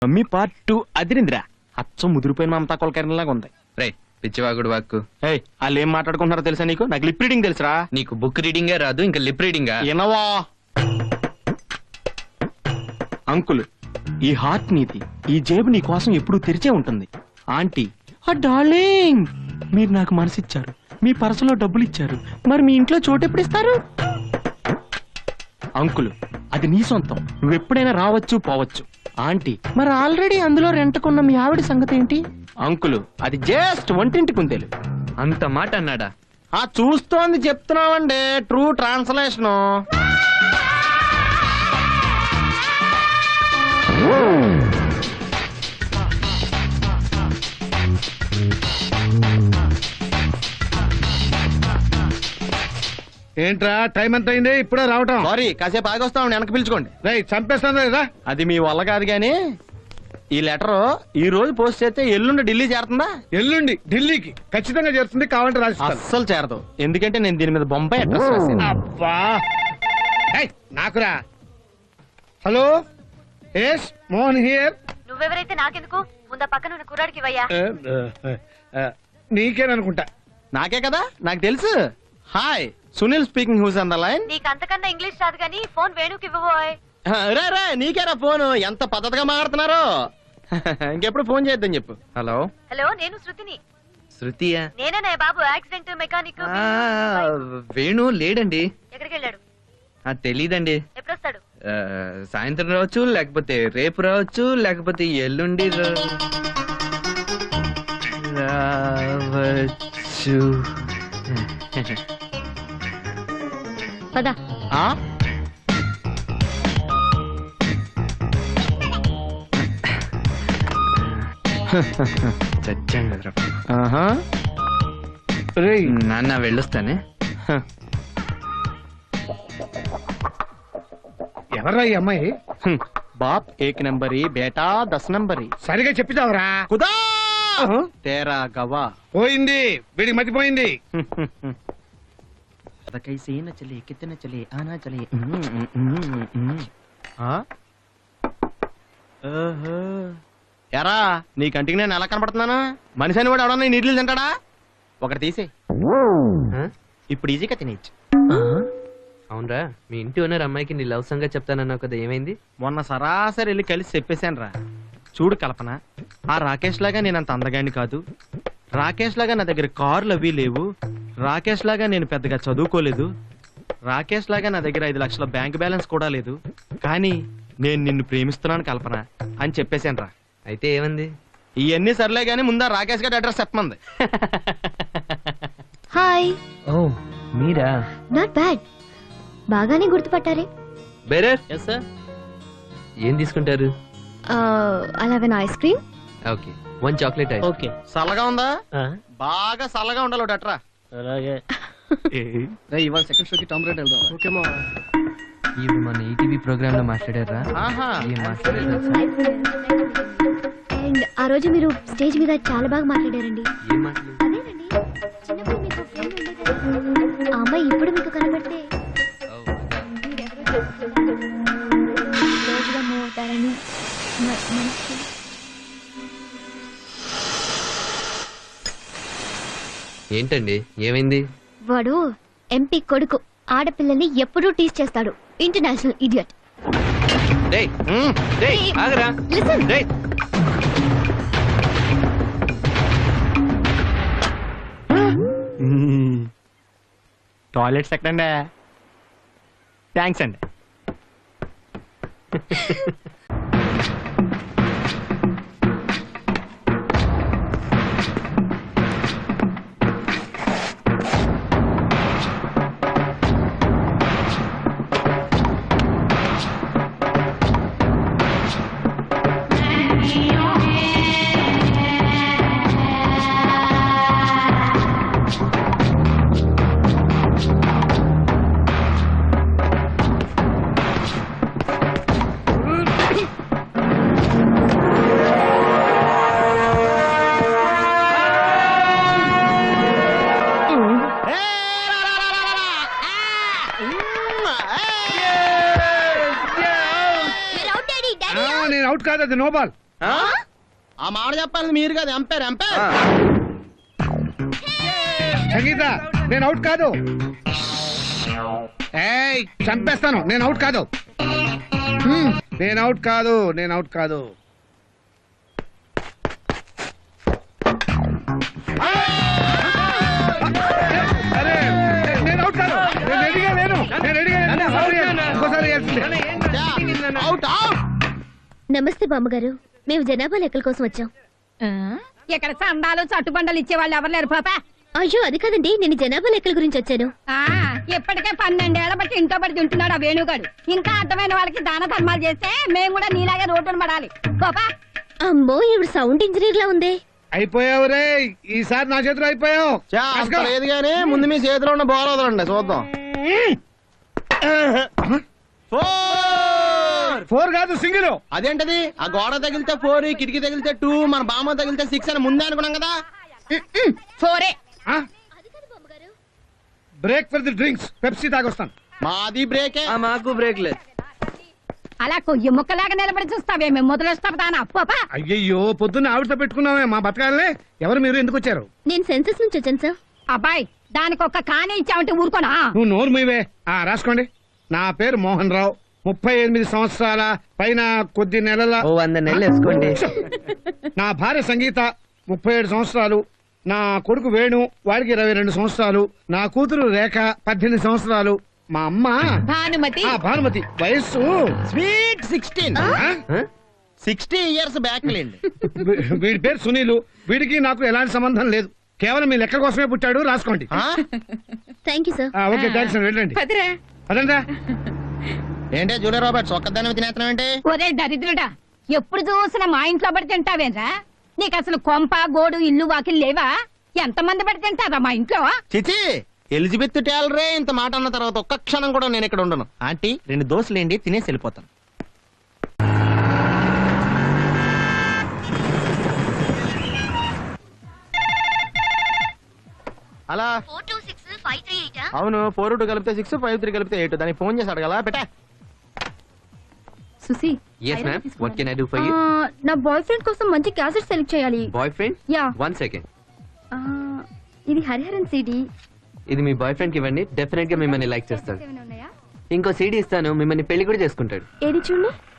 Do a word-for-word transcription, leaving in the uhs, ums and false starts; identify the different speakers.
Speaker 1: Mummy part two అదిరిందిరా. అచ్చం ముదిరిపోయిన మమతా కొలకరణలాగా ఉంది.
Speaker 2: రే పిచ్చివాగుడు వాక్కు.
Speaker 1: ఏయ్ వాళ్ళు ఏం మాట్లాడుకుంటున్నారో తెలుసా నీకు? నాకు లిప్ రీడింగ్ తెలుసురా.
Speaker 2: నీకు బుక్ రీడింగే రాదు, ఇంకా లిప్ రీడింగా?
Speaker 1: ఎనవా అంకుల్, ఈ హార్ట్ నీది, ఈ జేబు నీ కోసం ఎప్పుడూ తెరిచే ఉంటుంది. ఆంటీ, ఆ డార్లింగ్, మీరు నాకు మనసిచ్చారు, మీ పర్సులో డబ్బులు ఇచ్చారు, మరి మీ ఇంట్లో చోటు ఎప్పుడు ఇస్తారు? అంకుల్, అది నీ సొంతం, నువ్వెప్పుడైనా రావచ్చు పోవచ్చు. ఆంటీ, మరి ఆల్రెడీ అందులో రెంటకున్న మీ ఆవిడ సంగతి ఏంటి? అంకుల్, అది జస్ట్ వంటింటి కుందేలు.
Speaker 2: అంత మాట అన్నాడా?
Speaker 1: ఆ చూస్తోంది చెప్తున్నావండి, ట్రూ ట్రాన్స్లేషన్.
Speaker 3: ఏంట్రా టైం ఎంత అయింది? ఇప్పుడే రావటం?
Speaker 1: సారీ, కాసేపు ఆగొస్తా, వెనక్కి పిలుచుకోండి.
Speaker 3: రైట్, చంపేస్తాను కదా.
Speaker 1: అది మీ వల్ల కాదు గాని, ఈ లెటర్ ఈ రోజు పోస్ట్ చేస్తే ఎల్లుండి ఢిల్లీ చేరుతుందా?
Speaker 3: ఎల్లుండి ఢిల్లీకి ఖచ్చితంగా చేరుతుంది, కావాలంటే రాసిస్తాను.
Speaker 1: అస్సలు చేరదు, ఎందుకంటే నేను దీని మీద బొంబాయి అడ్రస్ రాశాను.
Speaker 3: అబ్బా, ఏయ్, నాకురా. Hello, yes Mohan here.
Speaker 4: నువ్వెవరైతే నాకెందుకు? ముందా పక్కన ఉన్న కుర్రాడికి ఇవ్వయ్యా.
Speaker 3: నీకేననుకుంటా.
Speaker 1: నాకే కదా, నాకు తెలుసు. Hi, Sunil speaking, who's on the line?
Speaker 4: నీకు అంతకన్నా ఇంగ్లీష్ రాదు గానీ ఫోన్ వేణుకి ఇవ్వబోయ్.
Speaker 1: రే రే, నీకేరా ఫోన్, ఎంత పద్ధతిగా మాట్లాడుతున్నారు. ఇంకెప్పుడు ఫోన్ చేద్దాం చెప్పు.
Speaker 2: హలో
Speaker 4: హలో, నేను శృతిని.
Speaker 2: శృతియా?
Speaker 4: నేనే బాబు, యాక్సిడెంట్ మెకానిక్.
Speaker 2: ఆ, వేణు లేడండి.
Speaker 4: ఎక్కడికి వెళ్ళాడు?
Speaker 2: ఆ, తెలీదండి.
Speaker 4: ఎప్పుడు వస్తాడు?
Speaker 2: ఆ, సాయంత్రం రావచ్చు, లేకపోతే రేపు రావచ్చు, లేకపోతే ఎల్లుండి రా- రావచ్చు.
Speaker 4: పద.
Speaker 1: ఆ
Speaker 2: చచ్చాం కదరా.
Speaker 1: ఆహా.
Speaker 3: రేయ్,
Speaker 2: నాన్న వెళ్ళొస్తానే.
Speaker 3: ఎవర్రా ఈ అమ్మాయి?
Speaker 1: హ్మ్. బాప్ ఏక్ నంబరి, బేటా దస్ నంబరి.
Speaker 3: సరిగా చెప్పిదావరా.
Speaker 1: కుదా తేరా గవా.
Speaker 3: పోయింది, వీడికి మతిపోయింది.
Speaker 1: कैसे न चले, कितने चले, आना चले. ఎరా, నీ కంటికి నేను ఎలా కనపడుతున్నాను? మనిషి అని కూడా ఎవడన్నా నీళ్ళు తింటాడా? ఒకటి తీసే, ఇప్పుడు ఈజీగా తినేచ్చు.
Speaker 2: అవునరా, మీ ఇంటి ఓనర్ అమ్మాయికి నీ లవ్ సంగతి చెప్తానన్నావు కదా, ఏమైంది?
Speaker 1: మొన్న సరాసరి వెళ్ళి కలిసి చెప్పేశాను రా. చూడు కల్పన, ఆ రాకేష్ లాగా నేను అంత అందగాని కాదు, రాకేష్ లాగా నా దగ్గర కార్లు అవి లేవు, రాకేష్ లాగా నేను పెద్దగా చదువుకోలేదు, రాకేష్ లాగా నా దగ్గర ఐదు లక్షల బ్యాంక్ బ్యాలెన్స్ కూడా లేదు, కానీ నేను నిన్ను ప్రేమిస్తున్నాను కల్పన అని చెప్పేశాను రా.
Speaker 2: అయితే ఏమంది?
Speaker 1: ఇవన్నీ సర్లే గానీ ముందా రాకేష్ గారి అడ్రస్ చెప్పమంది.
Speaker 4: హాయ్.
Speaker 2: ఓ మీరా?
Speaker 4: నాట్ బ్యాడ్, బాగానే గుర్తుపట్టారే.
Speaker 2: Bearer,
Speaker 1: yes sir.
Speaker 2: ఏం తీసుకుంటారు?
Speaker 4: అలాగే ice cream.
Speaker 2: Okay, one chocolate ice.
Speaker 1: Okay. చల్లగా ఉందా? బాగా చల్లగా ఉండాలి ఒకటి అట్రా.
Speaker 3: అలాగే. ఇవాళ సెకండ్ షోకి టామ్ రేట్ వెళ్దాం. ఓకేమా?
Speaker 2: ఇవి మన ఈటీవీ ప్రోగ్రామ్ లో మాట్లాడారా?
Speaker 1: ఆహా.
Speaker 2: ఏం మాట్లాడారు?
Speaker 4: అండ్ ఆ రోజు మీరు స్టేజ్ మీద చాలా బాగా మాట్లాడారండి.
Speaker 2: ఏం మాట్లాడారు?
Speaker 4: అదేనండి, చిన్నప్పుడు మీకు ఫ్రెండ్ ఉండేది కదా, ఆ అమ్మాయి ఇప్పుడు మీకు కనబడితే రోజుగా మూవ్ అవుతారని మ- మనసుకి.
Speaker 2: ఏంటండి, ఏమైంది?
Speaker 4: వాడు ఎంపీ కొడుకు, ఆడపిల్లల్ని ఎప్పుడూ టీచ్ చేస్తాడు. International idiot.
Speaker 2: డేయ్, డేయ్, ఆగరా.
Speaker 4: లిసన్.
Speaker 2: డేయ్.
Speaker 1: టాయిలెట్స్ ఎక్కడండి? థ్యాంక్స్ అండి.
Speaker 3: నేను అవుట్ కాదు, అది నో బాల్.
Speaker 1: ఆ మాట చెప్పాలి మీరు కదా ఎంపైర్ ఎంపైర్
Speaker 3: సంగీత నేను అవుట్ కాదు. ఏయ్ చంపేస్తాను. నేను అవుట్ కాదు. హ్మ్, నేను అవుట్ కాదు. నేను అవుట్ కాదు. అరే, నేను అవుట్ కాదు. నేను రెడీగా లేను. నేను రెడీగా లేను. సారీ, ఇంకోసారి వేయాల్సిందే.
Speaker 1: Out out.
Speaker 4: నమస్తే బామ్మగారు, మేము జనాభా లెక్కల కోసం వచ్చాం.
Speaker 5: ఇక్కడ చందాలు చట్టుబండలు ఇచ్చే వాళ్ళు ఎవరు లేరు పాప.
Speaker 4: అయ్యో అది కాదండి, నేను జనాభా లెక్కల గురించి వచ్చాను.
Speaker 5: ఆ ఇప్పటికే పన్నెండేళ్ల బట్టి ఇంట్లో పడి తింటున్నాడు ఆ వేణుగాడు. ఇంకా అర్థమైన వాళ్ళకి దాన ధర్మాలు చేస్తే మేము కూడా నీలాగే రోడ్డును పడాలి. పాపా
Speaker 4: అమ్మో ఇవి సౌండ్ ఇంజనీర్ లా ఉంది.
Speaker 3: అయిపోయావు రే, ఈసారి నా చేతిలో అయిపోయావు.
Speaker 1: లేదు కానీ ముందు మీ చేతిలో ఉన్న బాల్ వదలండి చూద్దాం.
Speaker 3: ఫోర్ కాదు, సింగిల్.
Speaker 1: అదేంటది? ఆ గోడ తగిలితే ఫోర్, కిటికీ తగిలితే టూ, మన బామ్మ తగిలితే సిక్స్ అని ముందే అనుకున్నాం కదా.
Speaker 5: ఫోరే.
Speaker 3: Break for the drinks. Pepsi తాగొస్తాను.
Speaker 1: మాది బ్రేకే.
Speaker 2: మాకు బ్రేక్ లేదు.
Speaker 5: అలా కొయ్యి ముక్కలాగా నిలబడి చూస్తావే, మేము మొదలొస్తాం పాపా.
Speaker 3: అయ్యయ్యో, పొద్దున్న ఆవిడతో పెట్టుకున్నామే మా బతకాలనే. ఎవరు మీరు? ఎందుకు వచ్చారు?
Speaker 4: నేను సెన్సస్ నుంచి వచ్చాను సార్.
Speaker 5: అబ్బాయి దానికి ఒక్క కానే ఇచ్చావంటే ఊరుకోనా?
Speaker 3: నువ్వు నోరు మీవే. ఆ రాసుకోండి. నా పేరు మోహన్ రావు, ముప్పై ఎనిమిది సంవత్సరాల పైన కొద్ది నెలల.
Speaker 2: ఓ వంద నెలలు వేసుకోండి.
Speaker 3: నా భార్య సంగీత, ముప్పై ఏడు సంవత్సరాలు. నా కొడుకు వేణు, వాడికి ఇరవై రెండు సంవత్సరాలు. నా కూతురు రేఖ, పద్దెనిమిది సంవత్సరాలు. మా అమ్మ
Speaker 5: భానుమతి.
Speaker 3: ఆ భానుమతి వయస్సు
Speaker 1: స్వీట్ సిక్స్టీన్.
Speaker 3: ఆ?
Speaker 1: సిక్స్టీ ఇయర్స్ బ్యాక్ లేండి.
Speaker 3: వీ- వీడి పేరు సునీలు. వీడికి నాకు ఎలాంటి సంబంధం లేదు. కేవలం మీ లెక్క కోసమే పుట్టాడు. రాసుకోండి.
Speaker 4: Thank you sir.
Speaker 3: ఆ, ఓకే థ్యాంక్స్ అండి. వెళ్ళండి.
Speaker 5: పదిరే.
Speaker 3: అదంతా
Speaker 1: ఏంటే జూలియా రాబర్ట్స్ ఒక్కదాని తినేస్తున్నాం ఏంటి?
Speaker 5: ఒరే దరిద్రుడా, ఎప్పుడు చూసినా మా ఇంట్లో పడి తింటావేరా? నీకు అసలు కొంప గోడు ఇల్లు వాకిలు లేవా? ఎంతమంది పడి తింటారా మా ఇంట్లో?
Speaker 1: చిచి, ఎలిజబెత్ టేలరే ఇంత మాట అన్న తర్వాత ఒక్క క్షణం కూడా నేను ఇక్కడ ఉండను. ఆంటీ రెండు దోశలేండి, తినేసి వెళ్ళిపోతాను. అలా అవును, ఫోర్ టూ కలిపితే సిక్స్, ఫైవ్ త్రీ కలిపితే ఎయిట్. దానికి ఫోన్ చేసి అడగల పెట్టా.
Speaker 6: సుసి
Speaker 2: Yes, ma'am. What can I do for you?
Speaker 6: నా బాయ్ ఫ్రెండ్ కోసం మంచి క్యాసెట్ సెలెక్ట్ చేయాలి.
Speaker 2: Boy friend?
Speaker 6: Yeah.
Speaker 2: One second.
Speaker 6: ఇది హరిహరన్ సిడి.
Speaker 2: ఇది మీ బాయ్ ఫ్రెండ్ కి ఇవ్వండి, డెఫినెట్ గా మిమ్మల్ని లైక్ చేస్తాడు. ఇంకో సీడీ ఇస్తాను, మిమ్మల్ని పెళ్లి కూడా చేసుకుంటాడు.
Speaker 6: ఏది చూడండి.